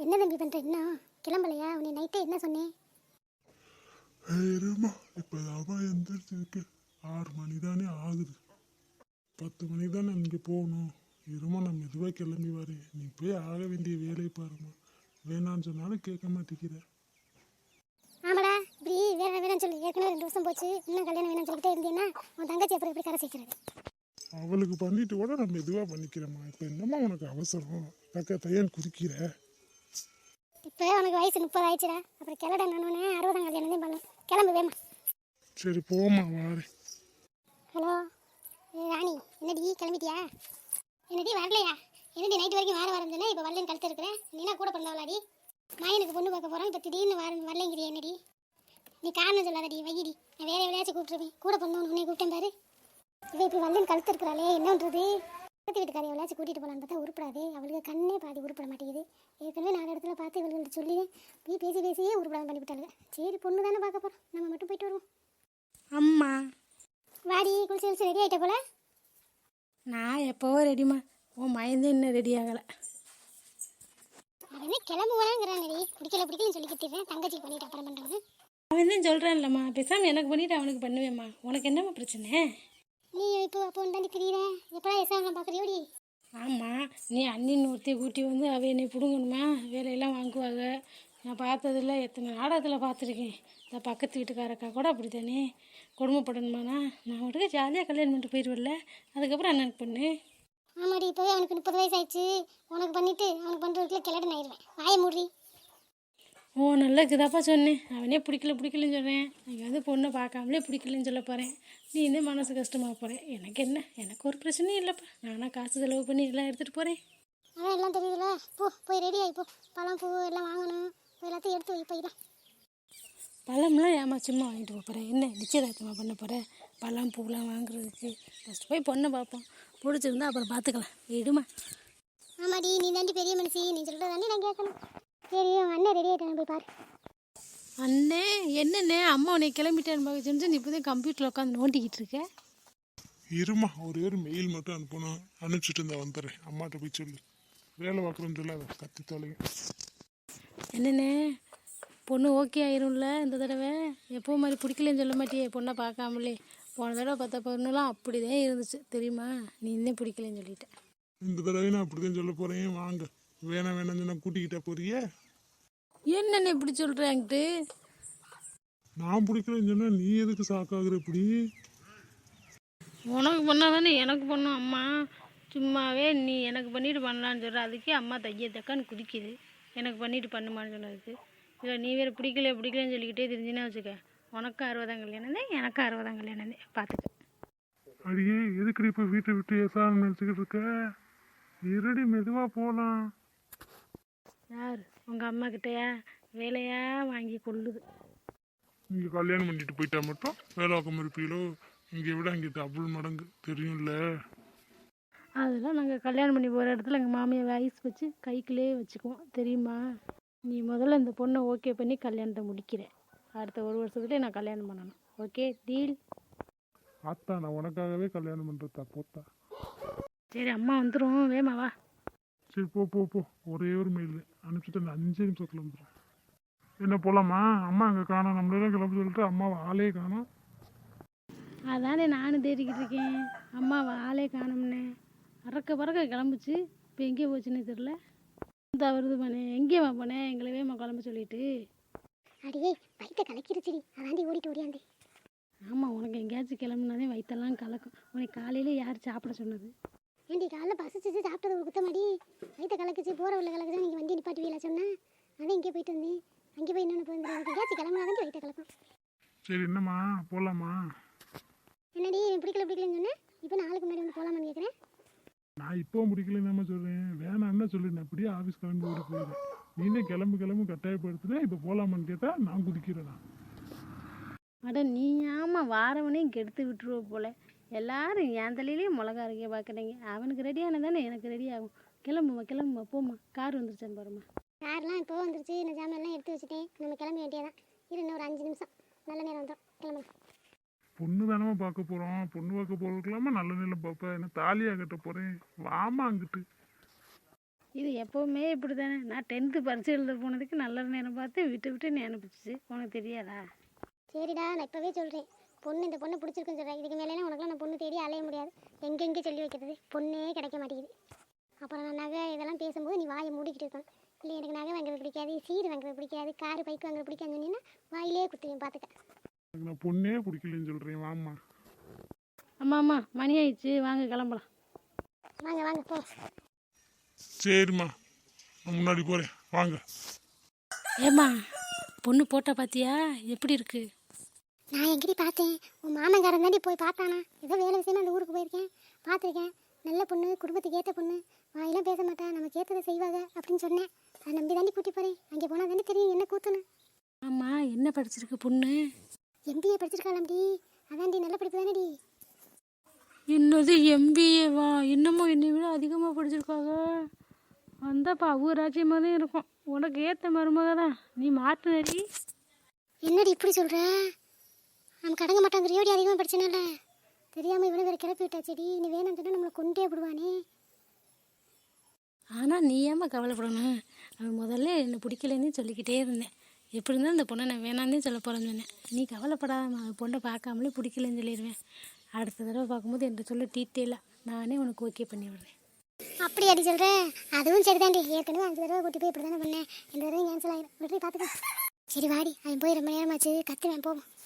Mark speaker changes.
Speaker 1: என்ன தம்பி பண்ணுற இன்னும் கிளம்பலையா? உன்னை நைட்டே என்ன சொன்னேன்?
Speaker 2: இருமா இப்போதான் எந்திரிச்சிருக்கு. 6 மணி தானே ஆகுது. 10 மணி தானே இங்கே போகணும். இருமா நான் மெதுவாக கிளம்பி வரேன். நீ போய் ஆக வேண்டிய வேலையை பாருமா. வேணான்னு சொன்னாலும் கேட்க மாட்டேங்கிற.
Speaker 1: ஆமாடா, இப்படி வேற வேணும்னு சொல்லி ஏற்கனவே 2 வருஷம் போச்சு. இன்னும் கல்யாணம் வேணும்னு சொல்லிட்டே இருந்தீங்கன்னா உன் தங்கச்சி அப்புறம் எப்படி கரை சேர்க்கிறது?
Speaker 2: அவளுக்கு பண்ணிட்டு கூட நான் மெதுவாக பண்ணிக்கிறேம்மா. இப்போ என்னம்மா உனக்கு அவசரம்? தையன் குதிக்கிற.
Speaker 1: இப்போ உனக்கு வயசு 30 ஆயிடுச்சுடா. அப்புறம் கிளட நானே 60ஆம் கல்யாணம் தான் பண்ணலாம். கிளம்பு வேமா.
Speaker 2: சரி போமா வாரேன்.
Speaker 1: ஹலோ ராணி, என்னடி கிளம்பிட்டியா? என்னடி வரலையா? என்னடி நைட்டு வரைக்கும் வரேன்னு சொன்னேன். இப்போ வரலன்னு கழுத்து இருக்கிறேன். நீனா கூட பண்ணவளாடி? மாயனுக்கு பொண்ணு பார்க்க போகிறோம். இப்போ திடீர்னு வரலைங்கிறியா? என்னடி நீ காரணம் சொல்லாதடி, வையடி. நான் வேற எவ்வளோயாச்சும் கூப்பிட்டுருவேன். கூட பண்ணவன் உன்னை கூப்பிட்டேன் பாரு. இதை இப்படி வரலன்னு கழுத்து இருக்கிறாளே, என்னன்றது? பக்கத்து வீட்டுக்காரி எவ்வளோச்சும் கூட்டிகிட்டு போகலான்னு பார்த்தா உருப்படாது. அவளுக்கு கண்ணே பாதி உருப்பட மாட்டேங்குது. ஏற்கனவே 4 இடத்துல பார்த்து இவள்கிட்ட சொல்லி போய் பேசியே உருப்படாமல் பண்ணிவிட்டாளுங்க. சரி பொண்ணு தானே பார்க்க போகிறோம், நம்ம மட்டும் போயிட்டு வருவோம்.
Speaker 3: அம்மா
Speaker 1: வாடி, குளிச்சு ரெடி ஆகிட்ட போல.
Speaker 3: நான் எப்போவோ ரெடிமா. உன் மயந்து இன்னும் ரெடி ஆகலை.
Speaker 1: அவனே கிளம்புவாங்கிறானடி. பிடிக்கலன்னு சொல்லிக்கிட்டேன். தங்கச்சிக்கு பண்ணிட்டு அப்புறம் பண்ணுறவங்க.
Speaker 3: அவன் தான் சொல்கிறான்லம்மா, பேசாமல் எனக்கு பண்ணிவிட்டு அவனுக்கு பண்ணுவேம்மா. உனக்கு என்னம்மா பிரச்சனை?
Speaker 1: நீ இப்போ அப்போ தாண்டி தெரியுற. எப்படா எஸ்ஆர்லாம் பார்க்குறியோடி?
Speaker 3: ஆமாம், நீ அண்ணின்னு ஒருத்தி கூட்டி வந்து அவ என்னை பிடுங்கணுமா? வேலையெல்லாம் வாங்குவாங்க. நான் பார்த்ததில்ல, எத்தனை நாடகத்தில் பார்த்துருக்கேன். இந்த பக்கத்து வீட்டுக்காரக்கா கூட அப்படி தானே கொடுமைப்படணுமாண்ணா? நான் மட்டும் ஜாலியாக கல்யாணம் பண்ணிட்டு போயிடுவேன்ல. அதுக்கப்புறம் அண்ணனுக்கு பண்ணு.
Speaker 1: ஆமாடி, இப்போவே அவனுக்கு 30 வயசு ஆயிடுச்சு. உனக்கு பண்ணிட்டு அவனுக்கு பண்ணுறதுக்குள்ள கிளடன் ஆயிடுவேன். வாய மூடி.
Speaker 3: ஓ நல்லதுக்குதாப்பா சொன்னேன். அவனே பிடிக்கலன்னு சொல்கிறேன். நீங்கள் வந்து பொண்ணை பார்க்காமலே பிடிக்கலன்னு சொல்ல போகிறேன். நீ இன்னும் மனசு கஷ்டமாக போகிறேன். எனக்கு என்ன, எனக்கு ஒரு பிரச்சனையும் இல்லைப்பா. நானாக காசு செலவு பண்ணி எல்லாம் எடுத்துகிட்டு போகிறேன்.
Speaker 1: அவன் எல்லாம் தெரியுதுல. போய் ரெடி ஆகிப்போ. பழம் பூ எல்லாம் வாங்கணும். எல்லாத்தையும் எடுத்து வை போயிடலாம்.
Speaker 3: பழம்லாம் ஏமா சும்மா வாங்கிட்டு போகிறேன்? என்ன நிச்சயதார்த்தமாக பண்ண போகிறேன்? பழம் பூலாம் வாங்குறதுக்கு ஃபஸ்ட்டு போய் பொண்ணை பார்ப்போம். பிடிச்சிருந்தா அப்புறம் பார்த்துக்கலாம். விடுமா.
Speaker 1: ஆமாடி, நீ தாண்டி பெரிய மனுஷி. நீ சொல்கிறத தாண்டி நான் கேட்கணும். சரி, அவன் அண்ணன் ரெடி ஆகிட்டான், போய் பாரு.
Speaker 3: அண்ணே என்னண்ணே, அம்மா உன்னை கிளம்பிட்டேன்னு பார்க்க சொன்னு நீ இப்போ தான் கம்ப்யூட்டரில் உட்காந்து நோண்டிக்கிட்டு இருக்க.
Speaker 2: இருமா ஒரே ஒரு மெயில் மட்டும் அனுப்பணும். அனுப்பிச்சிட்டு இருந்தா வந்துடுறேன். அம்மாட்ட போய் சொல்லு. வேலை பார்க்குறோன்னு சொல்ல அதை கத்தி தொலைங்க.
Speaker 3: என்னண்ணே, பொண்ணு ஓகே ஆயிரும்ல இந்த தடவை? எப்போ மாதிரி பிடிக்கலன்னு சொல்ல மாட்டியே பொண்ணை பார்க்காமலே? போன தடவை பார்த்த பொண்ணுலாம் அப்படி தான் இருந்துச்சு தெரியுமா? நீ இன்னும் பிடிக்கலன்னு சொல்லிட்டேன்.
Speaker 2: இந்த தடவை நான் அப்படிதான் சொல்ல போகிறேன். வாங்க. வேணாம் சொன்னா கூட்டிக்கிட்டா போறியே.
Speaker 3: என்னண்ணே இப்படி சொல்கிறேன்ட்டு?
Speaker 2: நான் பிடிக்கலன்னு சொன்னா நீ எதுக்கு சாக்காகுற இப்படி?
Speaker 3: உனக்கு பண்ணால் தானே எனக்கு பண்ணும் அம்மா. சும்மாவே நீ எனக்கு பண்ணிட்டு பண்ணலான்னு சொல்கிற. அதுக்கே அம்மா தக்கான்னு குதிக்குது. எனக்கு பண்ணிட்டு பண்ணுமான்னு சொன்னதுக்கு. இல்லை நீ வேறு பிடிக்கலன்னு சொல்லிக்கிட்டே தெரிஞ்சுன்னா வச்சுக்க. உனக்கும் 60ஆம் கல்யாணம் தான், எனக்கும் 60ஆம் கல்யாணம் தான். பார்த்துக்க.
Speaker 2: அடியே எதுக்கு இப்போ வீட்டை விட்டு ஏசான்னு நினச்சிக்கிட்டு இருக்க? இருடி மெதுவாக போகலாம்.
Speaker 3: யார் உங்கள் அம்மா கிட்டயா வேலையா வாங்கி கொள்ளுது?
Speaker 2: இங்கே கல்யாணம் பண்ணிட்டு போயிட்டா மட்டும் வேலை வாக்கம் இருப்பீங்களோ? இங்கே விட இங்கே டபுள் மடங்கு தெரியும்ல.
Speaker 3: அதெல்லாம் நாங்கள் கல்யாணம் பண்ணி போகிற இடத்துல எங்கள் மாமியை வயசு வச்சு கைக்குள்ளே வச்சுக்குவோம் தெரியுமா? நீ முதல்ல இந்த பொண்ணை ஓகே பண்ணி கல்யாணத்தை முடிக்கிறேன். அடுத்த 1 வருஷத்துலேயே நான் கல்யாணம் பண்ணணும். Okay deal?
Speaker 2: ஆத்தா நான் உனக்காகவே கல்யாணம் பண்ணுறதா போத்தா.
Speaker 3: சரி அம்மா வந்துடும், வேமா வா.
Speaker 2: சரி போ. ஒரே ஒரு மெயில் அனுப்பிச்சிட்டு அந்த 5 நிமிஷத்துல வந்துடும். என்ன போகலாமா? அம்மா அங்கே காணோம். நம்மளெல்லாம் கிளம்ப சொல்லிட்டு அம்மாவை ஆளே காணோம்.
Speaker 3: அதானே நானும் தேடிக்கிட்டு இருக்கேன். அம்மாவை ஆளே காணும்னே. பறக்க கிளம்புச்சு. இப்போ எங்கே போச்சுன்னே தெரில. வருது போனேன். எங்கேயம்மா போனேன்? எங்களை வேமா கிளம்ப சொல்லிட்டு.
Speaker 1: அடியே வயிற்ற கலக்கிருச்சுடி. அதாண்டி ஓடியாந்தே.
Speaker 3: ஆமாம், உனக்கு எங்கேயாச்சும் கிளம்புனாதே வயிற்றெல்லாம் கலக்கும். உனக்கு காலையில் யார் சாப்பிட சொன்னது?
Speaker 1: ஏண்டி காலைல பசிச்சு சாப்பிட்டது ஒரு குத்தமாடி? வயிற்ற கலக்குச்சு, போகிற உள்ள கலக்குச்சு. நீங்கள் வண்டி நிப்பாட்டுவீங்களா சொன்னேன். அதான் இங்கே போயிட்டு வந்தேன். அங்கே போய் என்னென்ன போயிருந்தேன். எங்கேயாச்சும் கிளம்புனாதான் வயிற்ற கலக்கும்.
Speaker 2: சரி என்னம்மா போகலாமா?
Speaker 1: என்னடி பிடிக்கலன்னு சொன்னேன். இப்போ நாளுக்கு முன்னாடி வந்து போகலாமான்னு கேட்குறேன்.
Speaker 2: நான் இப்போவும் பிடிக்கலன்னு சொல்கிறேன். வேணான்னு சொல்லிடுறேன். அப்படியே ஆஃபீஸ் கிளம்பி ஓடி போயிடுறேன். நீனே கிளம்பு கட்டாயப்படுத்துனேன். இப்போ போகலாமான்னு கேட்டால் நான் குதிக்கிறேன்.
Speaker 3: அட நீ ஆமாம் வாரவனையும் கெடுத்து விட்டுருவ போல. எல்லாரும் என் தலையிலேயே மிளகா அரைக்க பார்க்குறீங்க. அவனுக்கு ரெடியான தானே எனக்கு ரெடி ஆகும். கிளம்புமா போம்மா. கார் வந்துருச்சான்னு பாருமா.
Speaker 1: கார்லாம் இப்போ வந்துருச்சு. இந்த ஜாமெல்லாம் எடுத்து வச்சுட்டேன். நம்ம கிளம்ப வேண்டியதான். இன்னும் ஒரு 5 நிமிஷம். நல்ல நேரம் வந்துடும். கிளம்பலாம்.
Speaker 2: பொண்ணு தானே பார்க்க போகிறோம். பொண்ணு பார்க்க போகிறதுக்கலாமா நல்ல நிலம் பார்ப்பேன். என்ன தாலியாக கட்ட போகிறேன். வாமா அங்கிட்டு.
Speaker 3: இது எப்போவுமே இப்படி தானே. நான் 10th பரிசு எழுத போனதுக்கு நல்ல நேரம் பார்த்து விட்டு நீ அனுப்பிச்சிச்சு. உனக்கு தெரியாதா?
Speaker 1: சரிடா, நான் இப்போவே சொல்கிறேன், பொண்ணு இந்த பொண்ணு பிடிச்சிருக்குன்னு சொல்கிறேன். இதுக்கு மேலே உனக்குலாம் நான் பொண்ணு தேடி அலைய முடியாது. எங்கெங்கே சொல்லி வைக்கிறது, பொண்ணே கிடைக்க மாட்டேங்குது. அப்புறம் நான் நகை இதெல்லாம் பேசும்போது நீ வாயை மூடிக்கிட்டு இருக்கணும். இல்லை எனக்கு நகை வாங்குறது பிடிக்காது, சீர் வாங்குறது பிடிக்காது, காரு பைக் வாங்குறது பிடிக்காதுன்னு சொன்னீங்கன்னா வாயிலே குத்துவேன் பார்த்துக்க.
Speaker 2: எனக்கு நான் பொண்ணே பிடிக்கலன்னு சொல்கிறேன். வாம்மா.
Speaker 3: அம்மா மணி ஆயிடுச்சு, வாங்க கிளம்பலாம்.
Speaker 1: வாங்க வாங்க போ.
Speaker 2: சரிம்மா, நான் முன்னாடி போகிறேன், வாங்க.
Speaker 3: ஏம்மா பொண்ணு போட்டா பார்த்தியா எப்படி இருக்கு?
Speaker 1: நான் எங்கடி பார்த்தேன், உன் மாமன்காரன் தாண்டி போய் பார்த்தானா? ஏதோ வேலை விஷயமா அந்த ஊருக்கு போயிருக்கேன், பார்த்துருக்கேன். நல்ல பொண்ணு, குடும்பத்துக்கு ஏற்ற பொண்ணு, வாயெல்லாம் பேச மாட்டா, நமக்கு ஏற்றதை செய்வாங்க அப்படின்னு சொன்னேன். அதை நம்பி தாண்டி கூட்டி போகிறேன். அங்கே போனால் தானே தெரியும் என்ன கூத்துன்னு.
Speaker 3: ஆமாம், என்ன படிச்சிருக்கு பொண்ணு?
Speaker 1: எம்பிஏ படிச்சிருக்காளாம்டி. அதான்டி நல்ல படிப்பு தானேடி.
Speaker 3: என்னது எம்பிஏவா? இன்னமும் என்னை விட அதிகமாக படிச்சிருக்காங்க. வந்தாப்பா ஊராட்சியமாக தான் இருக்கும். உனக்கு ஏற்ற மருமக தான், நீ மாட்டுனடி.
Speaker 1: என்னடி இப்படி சொல்கிற? நமக்கு அடங்க மாட்டாங்கிறியோடி, அதிகமாக படிச்சனால தெரியாமல் இவ்வளோ வேறு கிளப்பி விட்டாச்சேடி. நீ வேணாம் சொன்னால் நம்மளை கொண்டே விடுவானே.
Speaker 3: ஆனால் நீ ஏம்மா கவலைப்படணும்? அவன் முதல்ல என்னை பிடிக்கலன்னு சொல்லிக்கிட்டே இருந்தேன். எப்படி இருந்தாலும் இந்த பொண்ணை நான் வேணான்னே சொல்ல போகிறேன்னு சொன்னேன். நீ கவலைப்படாம, அந்த பொண்ணை பார்க்காமலே பிடிக்கலன்னு சொல்லிடுவேன். அடுத்த தடவை பார்க்கும்போது என்கிட்ட சொல்ல டீட்டெயிலாக நானே உனக்கு ஓகே பண்ணி விடுறேன்.
Speaker 1: அப்படி அடி சொல்கிறேன். அதுவும் சரிதாண்டி. ஏற்கனவே 5 தடவை கூட்டி போய் இப்படி தானே பண்ணேன். இந்த தடவை கேன்சல் ஆகிடும். விட்டு பார்த்துக்க. சரி வாடி, அவன் போய் ரொம்ப நேரமாச்சு, கத்துவேன் போவோம்.